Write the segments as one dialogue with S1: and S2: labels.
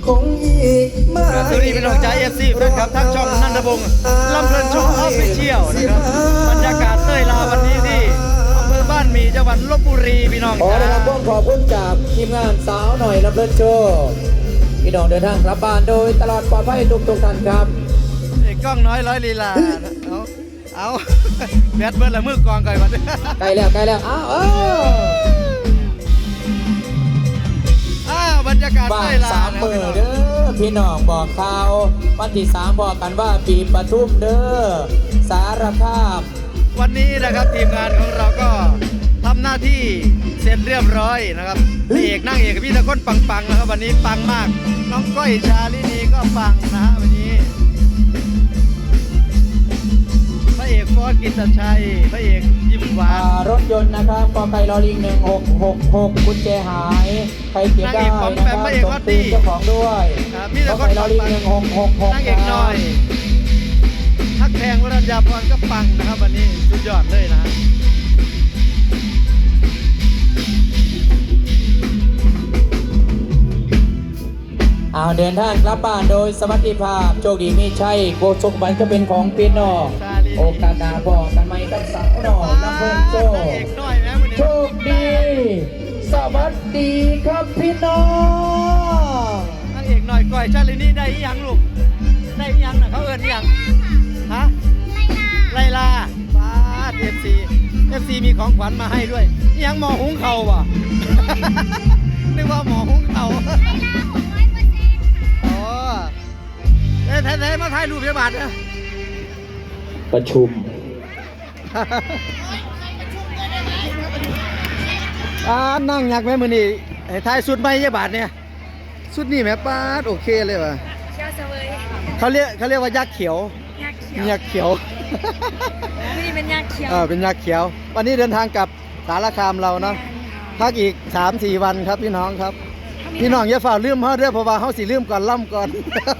S1: คงอีกมาก
S2: สวัสดีพี่น้องใจFC แฟนคลับทั้งช่องนันทพงศ์ลำเพลินโชว์ออฟฟิเชียลนะครับบรรยากาศเต้ยลาวันนี้ที่อำเภอบ้านหมี่จังหวัดลพบุรีพี่น้อง
S1: ขอได้รับขอบคุณจากทีมงานสาวหน่อยลำเพลินโชว์พี่น้องเดินทางกลับบ้านโดยตลอดปลอดภัยทุกท่านครับ
S2: กล้องน้อยร้อยลีลาเอาแบดเบิร์ดละมือกองก่อนวัน
S1: ใกล้แล้ว
S2: บรรยากาศ
S1: บ้า
S2: เต้
S1: น
S2: ยลา
S1: 3 มื้อเด้อพี่น้องบอกข่าววันที่3บอกกันว่าปีปทุมเด้อสารภาพ
S2: วันนี้นะครับทีมงานของเราก็ทำหน้าที่เสร็จเรียบร้อยนะครับพระเอกนั่งเอกกับพี่ตะก้นปังๆนะครับวันนี้ปังมากน้องก้อยชาลินีก็ปังนะฮะวันนี้พระเอกฟอสกิตชัยพระเอกยิ้มหวาน
S1: รถยนต์นะครับกไก่ลอลิง1666กุญแจหายใครเก็บได้นะครับส่งตีเจ้าของด้วยกไก่ลอลิง1666
S2: นั่งเอกน้อยทักแพงวรัญญาพรก็ปังนะครับวันนี้สุดยอดเลยนะ
S1: เดินทางกลับบ้านโดยสวัสดิภาพโชคดีมีชัยโกสุขบันก็เป็นของพี่น้องโอกาสหน้าบอกกันไหมกับสาวน้องน้ำเพิ่มโชคโชคดีสวัสดีครับพี่น้อง
S2: นั่งเอกหน่อยก่อยชาลินี่ได้ยังลูกได้ยังนะเขาเอิญยังฮะไลลาป้าเอฟซีมีของขวัญมาให้ด้วยยังหมอหุงเข่าว่ะนึกว่าหมอหุงเข่าแท้ๆมาถ่ายรูปยาบาดนะ
S1: ประชุม
S2: นั่งยักไหมมือนี่ถ่ายสุดไหมยาบาดเนี่ยสุดนี่แม่ป้าโอเคเลยว่ะเขาเรียกว่ายักษ์เขียวยักษ์เขียว
S3: นี่เป็นยักษ์เขียว
S2: เป็นยักษ์เขียววันนี้เดินทางกลับสารคามเราเนาะพักอีก 3-4 วันครับพี่น้องครับพี่น้องอย่าฝ่าลืมเขาเด้อเพราะว่าเขาสิลืมก่อนล่ำก่อน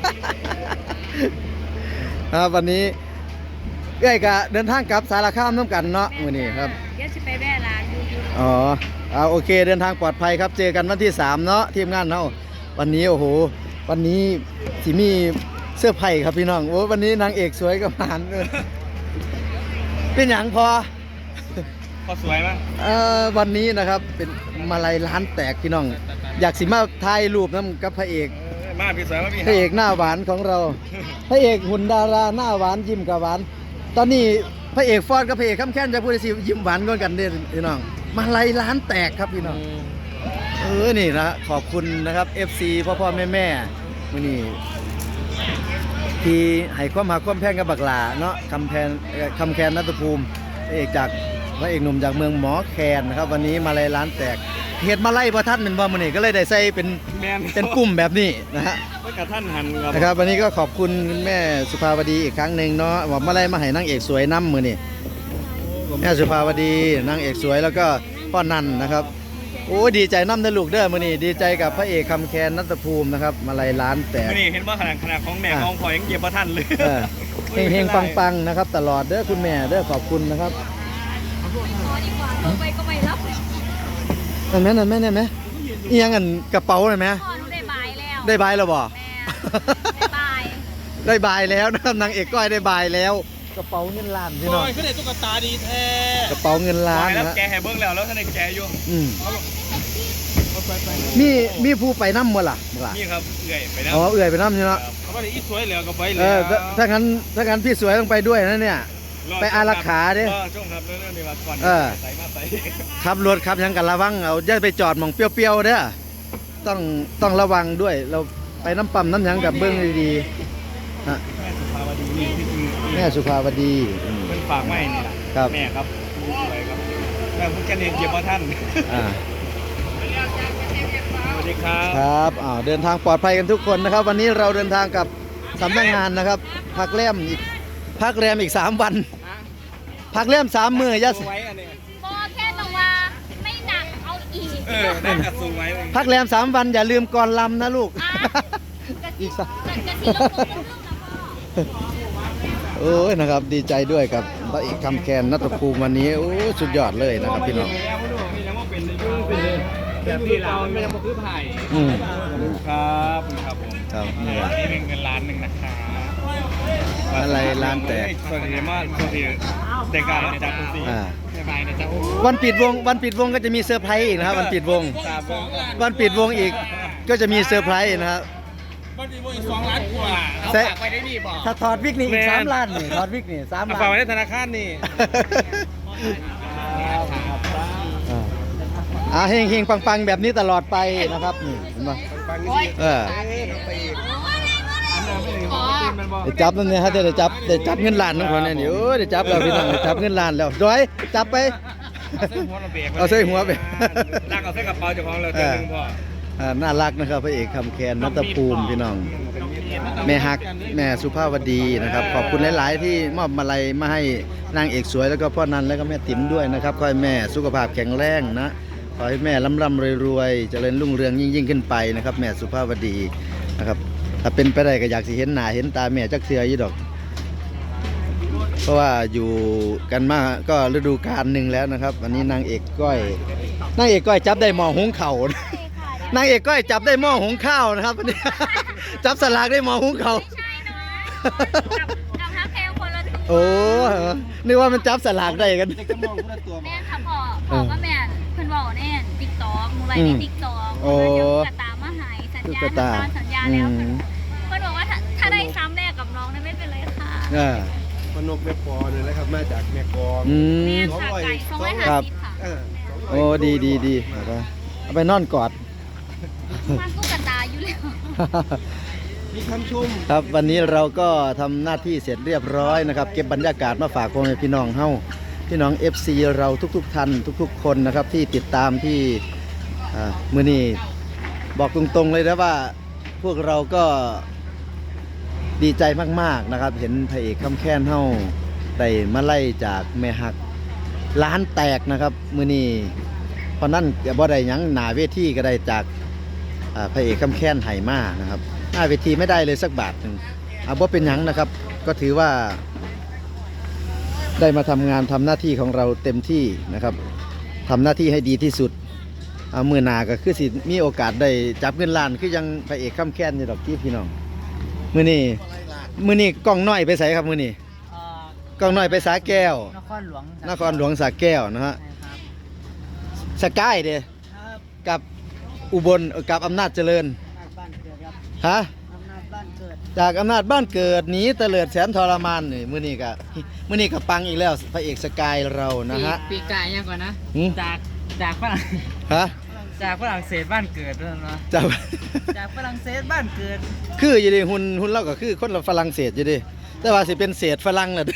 S2: วันนี้เอ้ยกะเดินทางกลับสารคามน้ำกันเนาะมื้อนี้ครับ
S3: เดี๋ยวจะไปแว่ร้าน
S2: ดูโอเคเดินทางปลอดภัยครับเจอกันวันที่3เนาะทีมงานเนาะวันนี้โอ้โหวันนี้สิมีเสื้อไผ่ครับพี่น้องโอ้วันนี้นางเอกสวยกับหานเป็นอย่างพอ
S4: สวยมั้ย
S2: วันนี้นะครับเป็นมาลัยร้านแตกพี่น้องอยากสิมาถ่ายรูปน้ำกับพระเอก
S4: มาพี่สวยมาพี่
S2: พระเอกหน้าหวานของเราพระเอกหุ่นดาราหน้าหวานยิ้มกับหวานตอนนี้พระเอกฟอดกับพระเอกข้ามแค้นจะพูดสิยิ้มหวานกันเด้อพี่น้องมาลัยร้านแตกครับพี่น้องนี่นะขอบคุณนะครับ FC พ่อแม่มื้อนี้ที่ให้ความหาความแพงกับบักหลาเนาะคำแคนณัฐภูมิพระเอกจากพระเอกหนุ่มจากเมืองหมอแคนนะครับวันนี้มาลัยร้านแตกเห็ดมาไล่ประทัดเป็นว่ามันนี่ก็เลยได้ใส่เป็นกลุ่มแบบนี้นะฮะ
S4: กระท่านหัน
S2: นะครับวันนี้ก็ขอบคุณแม่สุภาวดีอีกครั้งหนึ่งเนาะว่ามาไล่มาให้นางเอกสวยน้ำมือนี่แม่สุภาวดีนางเอกสวยแล้วก็พ่อนันนะครับโอ้ดีใจน้ำนะลูกเด้อมือนี่ดีใจกับพระเอกคำแคนณัฐภูมินะครับมาไล่ร้านแตก
S4: นี่เห็นว่าขนาดของแม่ของพ่อยังเก็บประทันเลย
S2: เฮงปังนะครับตลอดเด้อคุณแม่เด้อขอบคุณนะครับ
S3: ไปก็ไม่รับ
S2: นั่นไหมอีหยังอันกระเป๋าเลยไหม
S3: ได้บายแล้ว
S2: ได้บายแล้วบ่
S3: ได้
S2: บายแล้วนะครับนางเอกก้อยได้บายแล้วกระเป๋าเงินล้านพี่น้อง
S4: ขึ้นในตุ๊กตาดีแท้
S2: กระเป๋าเงินล้าน
S4: นะแกแห่เบิ้งแล้วท่านในแกอยู่
S2: มีผู้ไปน้ำมั้งล่ะ
S4: นี่ครับเอื่อยไปน้
S2: ำเอื่อยไปน้ำใช่ไหม
S4: เขาไม่ได้อีสวยเหลือก็ไปเลย
S2: ถ้างั้นพี่สวยต้องไปด้วยนะเนี่ยไปอารักขาดิ
S4: ช่วงครับเรื่องนี้มาก่อนใส่มาใส่
S2: ขับรถขับยังกันระวังเอาอย่าไปจอดมองเปรี้ยวๆเด้อต้องระวังด้วยเราไปน้ำปั๊มน้ำยังกับเบื้องดีๆแม่สุภาวดี
S4: เป็นฝากไม่นี่แหละแม่ครับสวยครับแม่พูดกันเองเก็บมาท่านสวัสดี
S2: ครับเดินทางปลอดภัยกันทุกคนนะครับวันนี้เราเดินทางกับสำนักงานนะครับพักแรมอีก3 วันพักแรม3 มื้อย่า
S3: พอแค่ต้องว่าไม่หนักเอาอีก
S4: นั่นกระสูงไว้
S2: พักแรม3 วันอย่าลืมก่อนลำนะลูกอีกโอ้ยนะครับดีใจด้วยกับพระเอกคำแคนณัฐภูมิวันนี้โอ้สุดยอดเลยนะครับพี่น้อง
S4: แบบนี้เราไม่ยังมาคือไผ่ครับผม
S2: ครับนี่แหละ
S4: นี่เป็นเงินล้านหนึ่งนะคะ
S2: อะไรล้านแตก
S4: สวัสดีมากสวัสดีเด็กการจัดคุณสี
S2: อ่า
S4: สบายนะจ๊ะโอ้
S2: วันปิดวงก็จะมีเซอร์ไพรส์อีกนะครับวันปิดวง
S4: ตาเบิ้ง
S2: วันปิดวงอีกก็จะมีเซอร์ไพรส์นะครับ
S4: มันมีวงอีก2 ล้านกว่าเอา
S2: เสร็จ
S4: ฝากไว้ได้ดีบอก
S2: ถ้าถอดวิกนี่อีก
S4: แม่น
S2: 3 ล้านนี่ถอดวิกนี่3
S4: เอา
S2: ล้า
S4: ฝากไว้
S2: น
S4: ในธนาคารนี่
S2: เฮงปังแบบนี้ตลอดไปนะครับนี่เห็นปะเออได้จับนั่นเนี่ยฮะได้จับเงินล้านนั่นคนนี้นี่โอ้ยได้จับแล้วพี่น้องได้จับเงินล้านแล้วร้อยจับไป เอาใส่หัวไป
S4: ลากเอาใส่กระเป๋าเจ้าของเราตัวหนึงพ่อ
S2: น่ารักนะครับพระเอกคำแคนนัตภูมิพี่น้อง แม่ฮักแม่สุภาพวดีนะครับขอบคุณหลาย ๆ ที่มอบมาลัยมาให้นางเอกสวยแล้วก็พ่อนันแล้วก็แม่ติ๋มด้วยนะครับขอให้แม่สุขภาพแข็งแรงนะขอให้แม่ร่ำรวยเจริญรุ่งเรืองยิ่งขึ้นไปนะครับแม่สุภาพวดีนะครับถ้าเป็นไปได้ก็อยากสิเห็นหน้าเห็นตาแม่จักเทื่ออยู่ดอก เพราะว่าอยู่กันมาก็ฤดูกาลหนึ่งแล้วนะครับวันนี้นางเอกก้อยจับได้หม้อหุงข้าวนางเอกก้อยจับได้หม้อหุงข้าวนะครับวันนี้ จับสลากได้หม้อหุงข้าว
S3: ไม่ใช่เนาะกับฮักแพลคนละตัว
S2: โอ้นึกว่ามันจับสลากได้กัน
S3: แม่ค่ะพ่อก็แม่เพิ่นบอกแน่ติ๊กต็อกมูไรในติ๊กต็อก
S2: โอ้
S3: เดี๋ยวตุ๊กตามาหายสัญญา
S2: ตุ๊กตา
S3: ทำตามสัญญาแล้วเพิ่นบอกว่าถ้าได้ซ้ำแรกกับน้องนั้นไม่เป็นไรค่ะ
S5: พนกแม่ปอเลยนะครับมาจากแม่กอง
S2: อื
S3: แม่
S2: ม
S3: ค่ะไก่250
S2: ครับ
S3: ค่ะ
S2: โอ้ดีเอาไปนอนกอด
S3: มันตุ๊กตาอยู่แล้ว
S5: มีคำชม
S2: ครับวันนี้เราก็ทำหน้าที่เสร็จเรียบร้อยนะครับเก็บบรรยากาศมาฝากพ่อแม่พี่น้องเฮาพี่น้อง FC เราทุกๆท่านทุกๆคนนะครับที่ติดตามที่มื้อนี้บอกตรงๆเลยนะว่าพวกเราก็ดีใจมากๆนะครับเห็นพระเอกคำแค้นเฮาได้มาไล่จากแม่ฮักล้านแตกนะครับมื้อนี้เพราะนั่นบ่ได้หยังหน้าเวทีก็ได้จากพระเอกคำแค้นไหมานะครับหน้าเวทีไม่ได้เลยสักบาทหนึ่งบ่เป็นหยังนะครับก็ถือว่าได้มาทำงานทำหน้าที่ของเราเต็มที่นะครับทำหน้าที่ให้ดีที่สุดมือหนาก็คือสิมีโอกาสได้จับเงินล้านคือยังพระเอกคำแค้นอยู่ดอกที่พี่น้องมื้อนี้กล้องน้อยไปใส่ครับมื้อนี้กล้องน้อยไปสาแก้วนครหลวงสาแก้วนะฮะสกายเด้กับอุบลกับอำนาจเจริญฮะจากอำนาจบ้านเกิดหนีเตลิดแสนทรมานนี่มื้อนี้ก็ปังอีกแล้วพระเอกสกายเรานะฮะ
S6: ปีกายยังก่อนนะ
S2: หืม
S6: จากฝรั่ง
S2: ฮะ
S6: จากฝรั่งเศสบ้านเกิดด้วยนะ
S2: จับ
S6: จากฝรั่งเศสบ้านเกิด
S2: คืออยู่ดิหุ่นเราก็คือคนฝรั่งเศสอยู่ดิแต่ว่าสิเป็นเศษฝรั่งน่ะ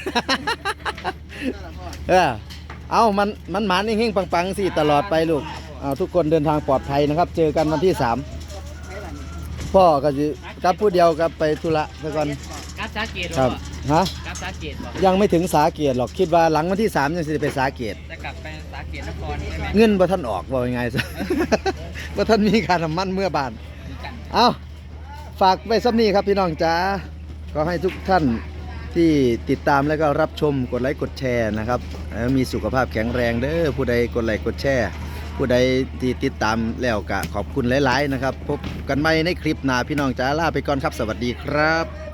S2: เอามันหมานเฮงๆปังๆสิตลอดไปลูกเอาทุกคนเดินทางปลอดภัยนะครับ เจอกันวันที่3พ่อก็สิกลับผู้เดียวกลับไปธุระซะก่อน
S6: กัสสาเกต
S2: ครับฮะ
S6: กัสสาเกตบอก
S2: ยังไม่ถึงสาเกตหรอกคิดว่าหลังวันที่3ยังสิได้ไปสาเกต
S6: จะกลับไปสาเกตนครใช่ไหม
S2: เงินบ่ทันออกว่ายังไงซะ บ่ทันมีค่าน้ำมันเมื่อบาน เอาฝากไว้ซ้ำนี้ครับพี่น้องจ๋าก็ให้ทุกท่านที่ติดตามแล้วก็รับชมกดไลค์กดแชร์นะครับมีสุขภาพแข็งแรงเด้อผู้ใดกดไลค์กดแชร์ผู้ใดที่ติดตามแล้วก็ขอบคุณหลายๆนะครับพบกันใหม่ในคลิปหน้าพี่น้องจ๋าลาไปก่อนครับสวัสดีครับ